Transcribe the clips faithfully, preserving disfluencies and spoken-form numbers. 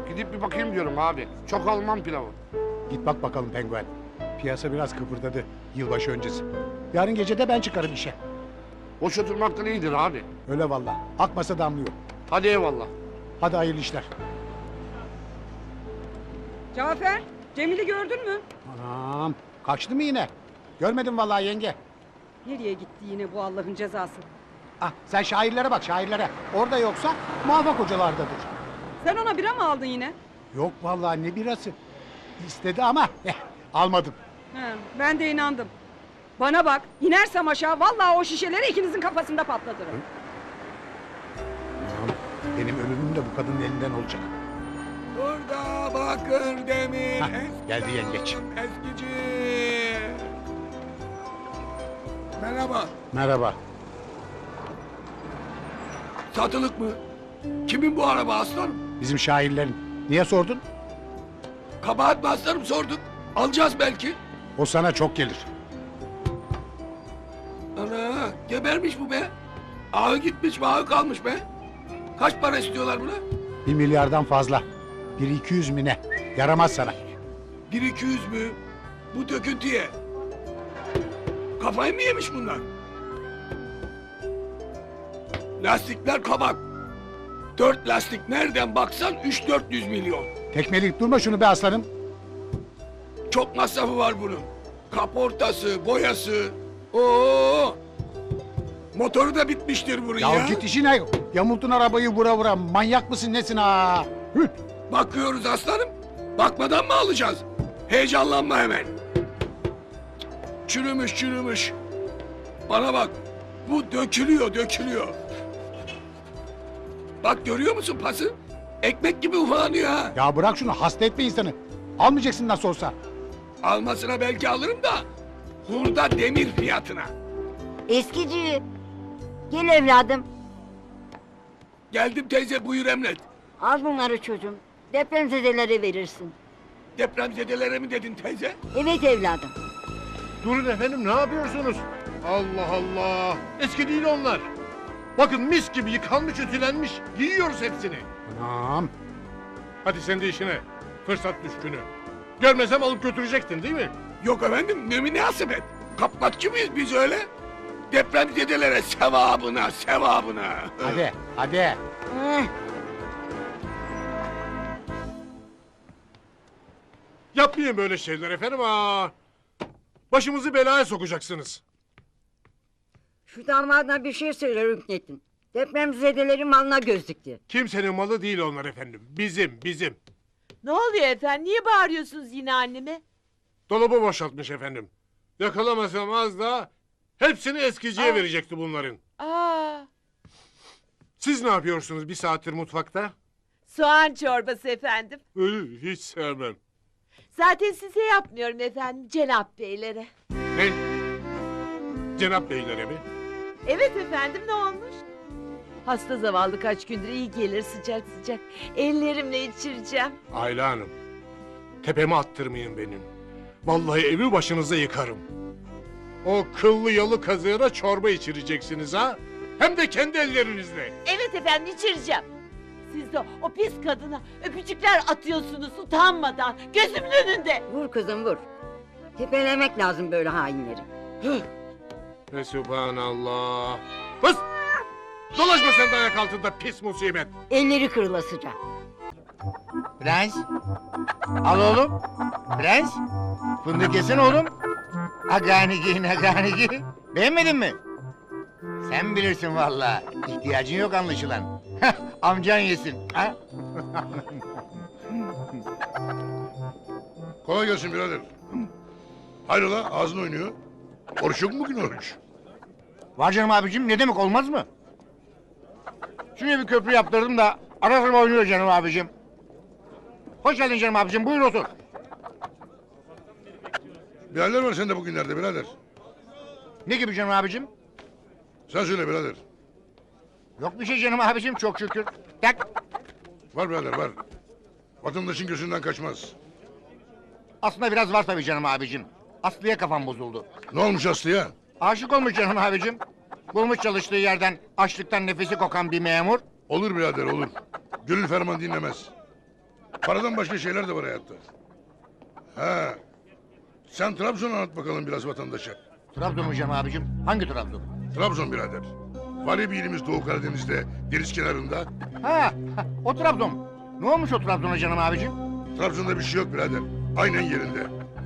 Gidip bir bakayım diyorum abi. Çok Alman pilavı. Git bak bakalım penguen. Piyasa biraz kıpırdadı yılbaşı öncesi. Yarın gece de ben çıkarım işe. Boş oturmaktan iyidir abi. Öyle valla. Akmasa damlıyor. Hadi eyvallah. Hadi hayırlı işler. Cafer, Cemil'i gördün mü? Anam. Kaçtı mı yine? Görmedim vallahi yenge. Nereye gitti yine bu Allah'ın cezası? Ah sen şairlere bak şairlere. Orada yoksa muvaffak hocalardadır. Sen ona bira mı aldın yine? Yok vallahi ne birası. İstedi ama eh, almadım. He, ben de inandım. Bana bak, inersem aşağı vallahi o şişeleri ikinizin kafasında patlatırım. Anam, benim ölümüm de bu kadının elinden olacak. Burada bakır demir Hah, eskici. geldi yengeç. Eskici. Merhaba. Merhaba. Satılık mı? Kimin bu araba aslanım? Bizim şairlerin. Niye sordun? Kabahat mi aslanım sorduk. Alacağız belki. O sana çok gelir. Ana gebermiş bu be. Ağı gitmiş ağı kalmış be. Kaç para istiyorlar buna? Bir milyardan fazla. Bir iki yüz mi ne? Yaramaz sana. Bir iki yüz mü? Bu döküntüye. Kafayı mı yemiş bunlar? Lastikler kabak. Dört lastik nereden baksan üç dört yüz milyon. Tekmeleyip durma şunu be aslanım. Çok masrafı var bunun. Kaportası, boyası. Oo! Motoru da bitmiştir bunun ya. Ya git işine. Yamultun arabayı vura vura. Manyak mısın nesin ha? Hüt. Bakıyoruz aslanım. Bakmadan mı alacağız? Heyecanlanma hemen. Çürümüş çürümüş. Bana bak. Bu dökülüyor dökülüyor. Bak görüyor musun pası? Ekmek gibi ufalanıyor ha. Ya bırak şunu hasta etme insanı. Almayacaksın nasıl olsa. Almasına belki alırım da. Hurda demir fiyatına. Eskici. Gel evladım. Geldim teyze buyur emret. Al bunları çocuğum. Depremzedelere verirsin. Depremzedelere mi dedin teyze? Evet evladım. Durun efendim ne yapıyorsunuz? Allah Allah. Eski değil onlar. Bakın mis gibi yıkanmış ütülenmiş. Giyiyoruz hepsini. Anam. Hadi sen de işine. Fırsat düşkünü. Görmesem alıp götürecektin değil mi? Yok efendim ne münasebet. Kapmaççı mıyız biz öyle? Depremzedelere sevabına sevabına. Hadi hadi. Eh, Yapmayın böyle şeyler efendim ha. Başımızı belaya sokacaksınız. şu damadına bir şey söyle Rüknettin. Depremzedelerin malına göz dikti. Kimsenin malı değil onlar efendim. Bizim, bizim. Ne oluyor efendim? Niye bağırıyorsunuz yine anneme? Dolabı boşaltmış efendim. Yakalamasam az da hepsini eskiciye Aa. verecekti bunların. Aa, Siz ne yapıyorsunuz bir saattir mutfakta? soğan çorbası efendim. Iı, hiç sevmem. Zaten size yapmıyorum efendim, Cenap Beylere. Ne? Cenap beylere mi? Evet efendim, ne olmuş? Hasta zavallı kaç gündür iyi gelir sıcak sıcak. Ellerimle içireceğim. Ayla Hanım, tepeme attırmayın benim. Vallahi evi başınıza yıkarım. O kıllı yalı kazığına çorba içireceksiniz ha? Hem de kendi ellerinizle. Evet efendim, içireceğim. Siz de o pis kadına öpücükler atıyorsunuz utanmadan, gözümün önünde. Vur kızım vur. Tepelemek lazım böyle hainleri. Ve subhanallah. Fıs! Dolaşma sen de ayak altında pis musibet. Elleri kırılasıca. Prens. Al oğlum. Prens. Fındık yesene oğlum. Aganigi naganigi. Beğenmedin mi? Sen bilirsin vallahi. İhtiyacın yok anlaşılan. Amcan yesin. Ha? Kolay gelsin birader. Hayrola ağzın oynuyor. Oruç yok mu bugün oruç? Var canım abicim ne demek olmaz mı? Şuraya bir köprü yaptırdım da ara sıra oynuyor canım abicim. Hoş geldin canım abicim buyur otur. Bir haller var sende bugünlerde birader. Ne gibi canım abicim? Sen söyle birader. Yok bir şey canım abicim çok şükür. Tak. Var birader var. Vatandaşın gözünden kaçmaz. Aslında biraz var tabii canım abicim. Aslı'ya kafam bozuldu. Ne olmuş Aslı'ya? Aşık olmuş canım abicim. Bulmuş çalıştığı yerden açlıktan nefesi kokan bir memur. Olur birader olur. Gönül ferman dinlemez. Paradan başka şeyler de var hayatta. Ha. Sen Trabzon'u anlat bakalım biraz vatandaşa. Trabzon mu canım abicim? Hangi Trabzon? Trabzon birader. Var ya bir ilimiz Doğu Karadeniz'de, deniz kenarında. Ha, ha, o Trabzon. Ne olmuş o Trabzon'a canım abicim? Trabzon'da bir şey yok birader. Aynen yerinde.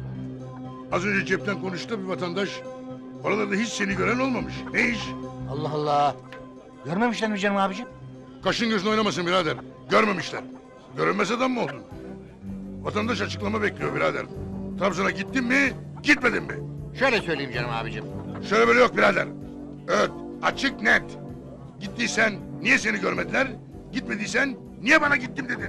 Az önce cepten konuştu bir vatandaş. Oralarda hiç seni gören olmamış. Ne iş? Allah Allah. Görmemişler mi canım abicim? Kaşın gözün oynamasın birader. Görmemişler. Görünmez adam mı oldun? Vatandaş açıklama bekliyor birader. Trabzon'a gittin mi, gitmedin mi? Şöyle söyleyeyim canım abicim. Şöyle böyle yok birader. Evet, açık net. Gittiysen niye seni görmediler? Gitmediysen niye bana gittim dedin?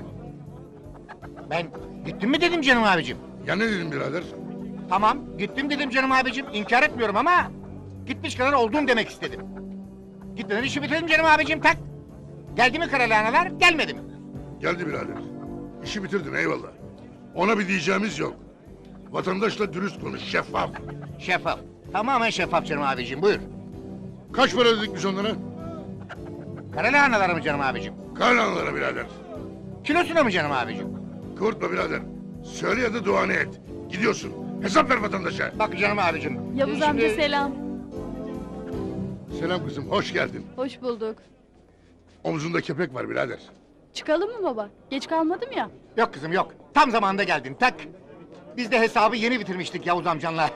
Ben gittim mi dedim canım abicim. Ya ne dedim birader? Tamam, gittim dedim canım abicim. İnkar etmiyorum ama gitmiş kadar oldum demek istedim. Gitmeden işi bitirdim canım abicim, tak. Geldi mi karalahanalar, gelmedi mi? Geldi birader. İşi bitirdin eyvallah. Ona bir diyeceğimiz yok. Vatandaşla dürüst konuş, şeffaf. Şeffaf. Tamamen şeffaf canım abicim, buyur. Kaç para ödedik biz onlara? Karalahanalara mı canım abicim? Karlanlara birader. Kilosuna mı canım abicim? Kıvırtma birader. Söyle ya da duanı et. Gidiyorsun. Hesap ver vatandaşa. Bak canım abicim. Yavuz şimdi- amca selam. Selam kızım, hoş geldin. Hoş bulduk. Omzunda kepek var birader. Çıkalım mı baba? Geç kalmadım ya. Yok kızım yok. Tam zamanında geldin, tak. Biz de hesabı yeni bitirmiştik Yavuz amcanla.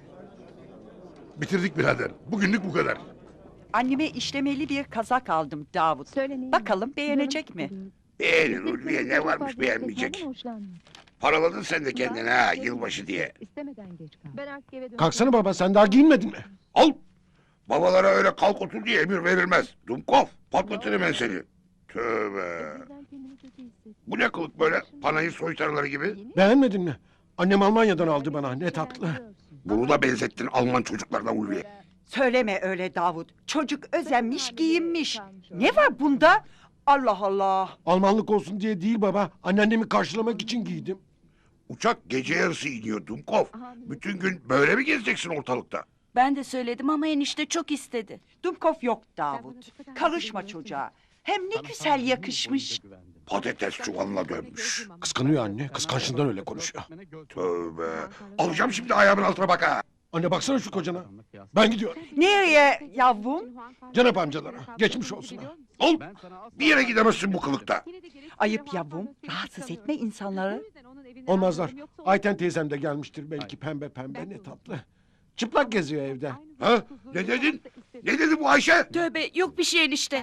Bitirdik birader. Bugünlük bu kadar. Anneme işlemeli bir kazak aldım Davut. Bakalım beğenecek mi? Beğenin Ulviye, ne varmış beğenmeyecek. Paraladın sen de kendine ha, yılbaşı diye. Kalksana baba, sen daha giyinmedin mi? Al! Babalara öyle kalk otur diye emir verilmez. Dumkov, patlatırım ben seni. Tövbe. Bu ne kılık böyle, panayır soytarıları gibi? Beğenmedin mi? Annem Almanya'dan aldı bana, ne tatlı. Bunu da benzettin Alman çocuklarına Ulviye. Söyleme öyle Davut. Çocuk özenmiş giyinmiş. Ne var bunda? Allah Allah. Almanlık olsun diye değil baba, anneannemi karşılamak için giydim. Uçak gece yarısı iniyor Dumkov. Bütün gün böyle mi gezeceksin ortalıkta? Ben de söyledim ama enişte çok istedi. Dumkov yok Davut. Karışma çocuğa. Hem ne güzel yakışmış. Patates çuvalına dönmüş. Kıskanıyor anne, kıskançlığından öyle konuşuyor. Tövbe. Alacağım şimdi ayağımın altına bak ha. Anne baksana şu kocana. Ben gidiyorum. Nereye yavrum? Cenap amcalara, geçmiş olsun. ha. Al. Bir yere gidemezsin bu kılıkta. Ayıp yavrum. Rahatsız etme insanları. Olmazlar. Ayten teyzem de gelmiştir belki, pembe pembe, ne tatlı. Çıplak geziyor evde. Ha? Ne dedin? Ne dedi bu Ayşe? Tövbe yok bir şey enişte.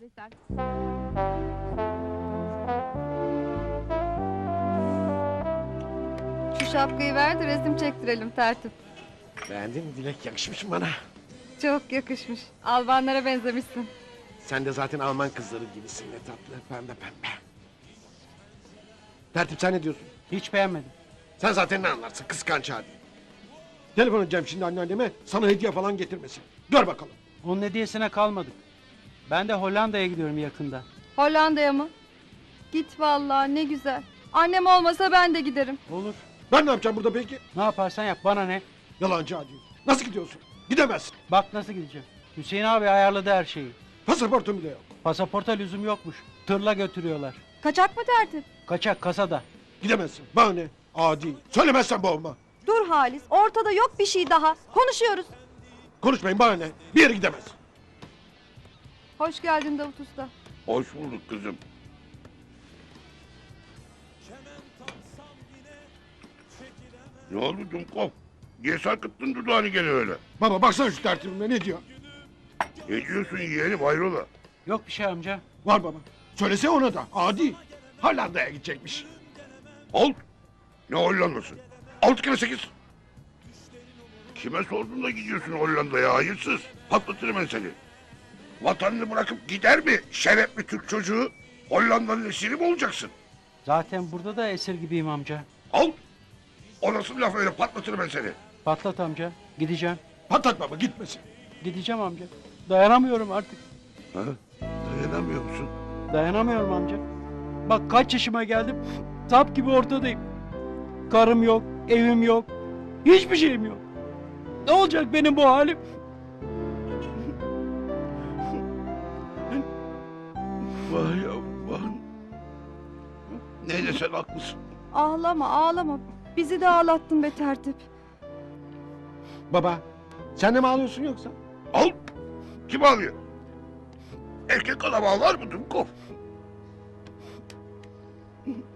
Şu şapkayı ver de resim çektirelim tertip. Beğendin mi Dilek, yakışmış mı bana? Çok yakışmış. Albanlara benzemişsin. Sen de zaten Alman kızları gibisin, ne tatlı, pembe pembe. Tertip, sen ne diyorsun? Hiç beğenmedim. Sen zaten ne anlarsın, kıskanç hadi. Telefon edeceğim şimdi anneanneme, sana hediye falan getirmesin. Gör bakalım. Onun hediyesine kalmadık. Ben de Hollanda'ya gidiyorum yakında. Hollanda'ya mı? Git vallahi, ne güzel. Annem olmasa ben de giderim. Olur. Ben ne yapacağım burada peki? Ne yaparsan yap bana ne? Yalancı hadi. Nasıl gidiyorsun? Gidemezsin. Bak nasıl gideceğim. Hüseyin abi ayarladı her şeyi. Pasaportum bile yok. Pasaporta lüzum yokmuş. Tırla götürüyorlar. Kaçak mı tertip? Kaçak kasada. Gidemezsin. Bana ne? Adi. Söylemezsen boğma. Dur Halis, ortada yok bir şey daha. Konuşuyoruz. Konuşmayın, bana ne? Bir yere gidemez. Hoş geldin Davut Usta. Hoş bulduk kızım. Ne oldu Dumkov? Niye sarkıttın dudağını gene öyle? Baba baksana şu tertibime, ne diyor? Ne diyorsun yeğenim hayrola? Yok bir şey amca. Var baba. Söylese ona da. Adi. Hollanda'ya gidecekmiş. Al. Ne Hollanda'sı? Altı kere sekiz. Kime sordun da gidiyorsun Hollanda'ya hayırsız? Patlatırım ben seni. Vatanını bırakıp gider mi şerefli Türk çocuğu? Hollanda'nın esiri mi olacaksın? Zaten burada da esir gibiyim amca. Al. O nasıl laf öyle, patlatırım ben seni. Patlat amca. Gideceğim. Patlat baba, gitmesin. Gideceğim amca. Dayanamıyorum artık. Ha? Dayanamıyor musun? Dayanamıyorum amca. Bak kaç yaşıma geldim. Sap gibi ortadayım. Karım yok, evim yok. Hiçbir şeyim yok. Ne olacak benim bu halim? Vay aman. Neyse sen haklısın. Ağlama ağlama. Bizi de ağlattın be tertip. Baba sen de mi ağlıyorsun yoksa? Al. Kim ağlıyor? Erkek adam ağlar mı Dumkov?